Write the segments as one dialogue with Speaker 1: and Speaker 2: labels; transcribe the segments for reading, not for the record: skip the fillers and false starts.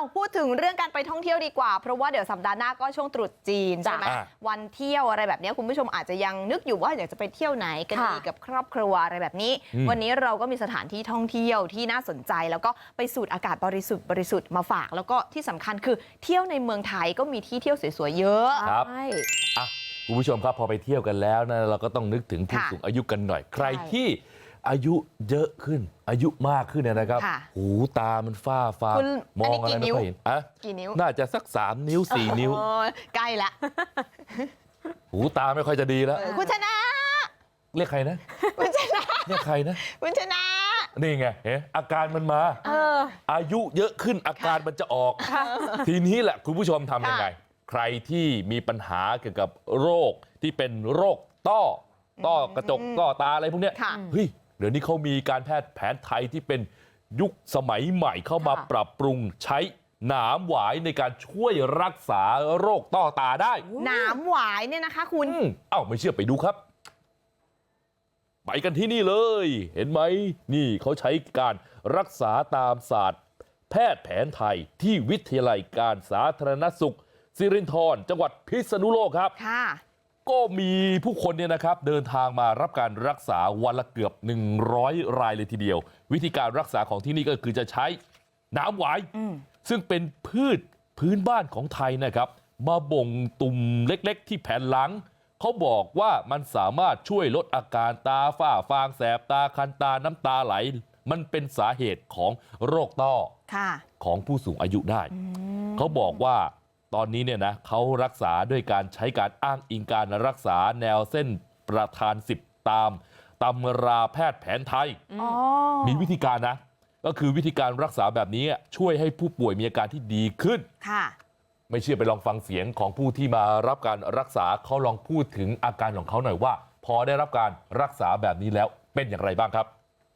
Speaker 1: พูดถึงเรื่องการไปท่องเที่ยวดีกว่าเพราะว่าเดี๋ยวสัปดาห์หน้าก็ช่วงตรุษจีนใช่ไหมวันเที่ยวอะไรแบบนี้คุณผู้ชมอาจจะยังนึกอยู่ว่าอยากจะไปเที่ยวไหนกันดีกับครอบครัวอะไรแบบนี้วันนี้เราก็มีสถานที่ท่องเที่ยวที่น่าสนใจแล้วก็ไปสูดอากาศบริสุทธิ์มาฝากแล้วก็ที่สำคัญคือเที่ยวในเมืองไทยก็มีที่เที่ยวสวยๆเยอะ
Speaker 2: ครับคุณผู้ชมครับพอไปเที่ยวกันแล้วนะเราก็ต้องนึกถึงผู้สูงอายุกันหน่อยใครที่อายุเยอะขึ้นอายุมากขึ้นนะครับหูตามันฝ้าฟางมองอะไรไม่ค่อยเห็น
Speaker 1: กี่นิ้ว
Speaker 2: น่าจะสัก3 นิ้ว 4 นิ้ว
Speaker 1: ใกล้ละ
Speaker 2: หูตาไม่ค่อยจะดีแล้ว
Speaker 1: คุณชนะ
Speaker 2: เรียกใครนะ
Speaker 1: คุณชนะ
Speaker 2: เรียกใครนะ
Speaker 1: คุณชนะ
Speaker 2: นี่ไงอาการมันมาอายุเยอะขึ้นอาการมันจะออกทีนี้แหละคุณผู้ชมทำยังไงใครที่มีปัญหาเกี่ยวกับโรคที่เป็นโรคต้อกระจกต้อตาอะไรพวกเนี้ยเฮ้ยเดี๋ยวนี้เขามีการแพทย์แผนไทยที่เป็นยุคสมัยใหม่เข้ามาปรับปรุงใช้หนามหวายในการช่วยรักษาโรคต้อตาได้
Speaker 1: หนามหวายเนี่ยนะคะคุณ
Speaker 2: ไม่เชื่อไปดูครับไปกันที่นี่เลยเห็นไหมนี่เขาใช้การรักษาตามศาสตร์แพทย์แผนไทยที่วิทยาลัยการสาธารณสุขสิรินธรจังหวัดพิษณุโลกครับก็มีผู้คนเนี่ยนะครับเดินทางมารับการรักษาวันละเกือบ100 รายเลยทีเดียววิธีการรักษาของที่นี่ก็คือจะใช้หนามหวายซึ่งเป็นพืชพื้นบ้านของไทยนะครับมาบ่งตุ่มเล็กๆที่แผ่นหลังเขาบอกว่ามันสามารถช่วยลดอาการตาฝ้าฟางแสบตาคันตาน้ำตาไหลมันเป็นสาเหตุของโรคต้อของผู้สูงอายุได้เขาบอกว่าตอนนี้เนี่ยนะเขารักษาด้วยการใช้การอ้างอิงการรักษาแนวเส้นประธาน10ตามตำราแพทย์แผนไทยมีวิธีการนะก็คือวิธีการรักษาแบบนี้ช่วยให้ผู้ป่วยมีอาการที่ดีขึ้นไม่เชื่อไปลองฟังเสียงของผู้ที่มารับการรักษาเขาลองพูดถึงอาการของเขาหน่อยว่าพอได้รับการรักษาแบบนี้แล้วเป็นอย่างไรบ้างครับ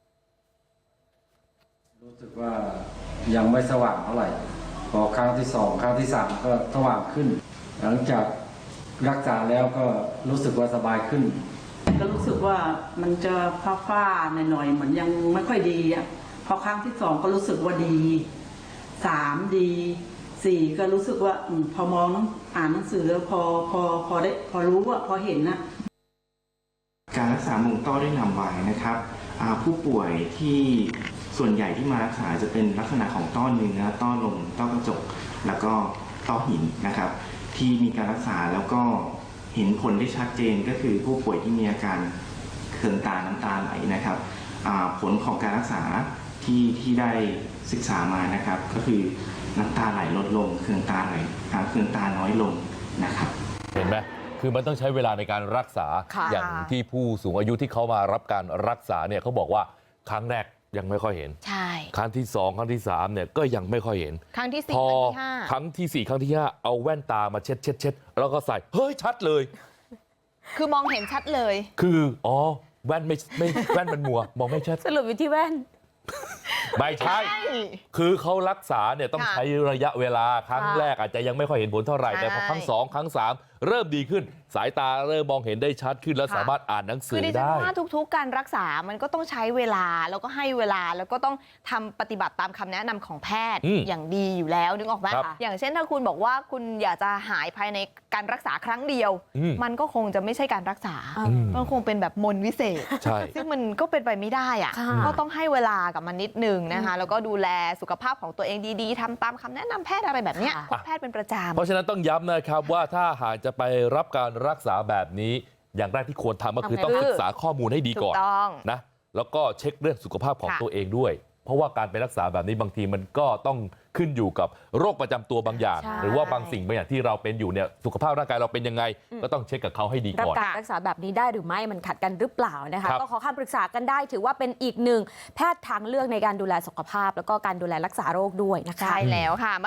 Speaker 3: รู้สึกว่ายังไม่สว่างเท่าไหร่พอครั้งที่2ครั้งที่3ก็สว่างขึ้นหลังจากรักษาแล้วก็รู้สึกว่าสบายขึ้น
Speaker 4: ก็รู้สึกว่ามันจะฟ้าๆหน่อยๆเหมือนยังไม่ค่อยดีอ่ะพอครั้งที่2ก็รู้สึกว่าดี3ดี4ก็รู้สึกว่าพอมองอ่านหนังสือแล้วพอรู้ว่าพอเห็นนะ
Speaker 5: การรักษามุมต้อด้วยหนามหวายนะครับผู้ป่วยที่ส่วนใหญ่ที่มารักษาจะเป็นลักษณะของต้อเนื้อต้อลมต้อกระจกแล้วก็ต้อหินนะครับที่มีการรักษาแล้วก็เห็นผลได้ชัดเจนก็คือผู้ป่วยที่มีอาการเคืองตาน้ำตาไหลนะครับผลของการรักษาที่ได้ศึกษามานะครับก็คือน้ำตาไหลลดลงเคืองตาไหลเคืองตาน้อยลงนะครับ
Speaker 2: เห็นไหมคือมันต้องใช้เวลาในการรักษาอย่างที่ผู้สูงอายุที่เขามารับการรักษาเนี่ยเขาบอกว่าครั้งแรกยังไม่ค่อยเห็นครั้งที่2ครั้งที่3เนี่ยก็ยังไม่ค่อยเห็น
Speaker 1: ครั้งที่4
Speaker 2: ครั้งที่4ครั้งที่5เอาแว่นตามาเช็ดแล้วก็ใส่เฮ้ยชัดเลย
Speaker 1: คือมองเห็นชัดเลย
Speaker 2: คือแว่นไม่แว่นมันมัวมองไม่ชัด
Speaker 1: สรุปอยู่ที่แว่น
Speaker 2: ไม่ใช่คือเขารักษาเนี่ยต้องใช้ระยะเวลาครั้งแรกอาจจะยังไม่ค่อยเห็นผลเท่าไหร่แต่พอครั้ง2ครั้ง3เริ่มดีขึ้นสายตาเริ่มมองเห็นได้ชัดขึ้นแล้วสามารถอ่านหนังสือได้คือดิฉัน
Speaker 1: ว่าทุกๆการรักษามันก็ต้องใช้เวลาแล้วก็ให้เวลาแล้วก็ต้องทำปฏิบัติตามคำแนะนำของแพทย์อย่างดีอยู่แล้วนึกออกไหมอย่างเช่นถ้าคุณบอกว่าคุณอยากจะหายภายในการรักษาครั้งเดียวมันก็คงจะไม่ใช่การรักษามันคงเป็นแบบมนต์วิเศษซึ่งมันก็เป็นไปไม่ได้อ่ะก็ต้องให้เวลากับมันนิดนึงนะคะแล้วก็ดูแลสุขภาพของตัวเองดีๆทำตามคำแนะนำแพทย์อะไรแบบนี้พบแพทย์เป็นประจำ
Speaker 2: เพราะฉะนั้นต้องย้ำนะครับว่าถ้าหากจะไปรับการรักษาแบบนี้อย่างแรกที่ควรทำก็คือต้องศึกษาข้อมูลให้ดีก่อนนะแล้วก็เช็คเรื่องสุขภาพของตัวเองด้วยเพราะว่าการไปรักษาแบบนี้บางทีมันก็ต้องขึ้นอยู่กับโรคประจำตัวบางอย่างหรือว่าบางสิ่งบางอย่างที่เราเป็นอยู่เนี่ยสุขภาพร่างกายเราเป็นยังไงก็ต้องเช็คกับเขาให้ดีก่อน
Speaker 6: รับการรักษาแบบนี้ได้หรือไม่มันขัดกันหรือเปล่านะคะก็ขอคำปรึกษากันได้ถือว่าเป็นอีกหนึ่งแพทย์ทางเลือกในการดูแลสุขภาพแล้วก็การดูแลรักษาโรคด้วยนะคะ
Speaker 1: ใช่แล้วค่ะ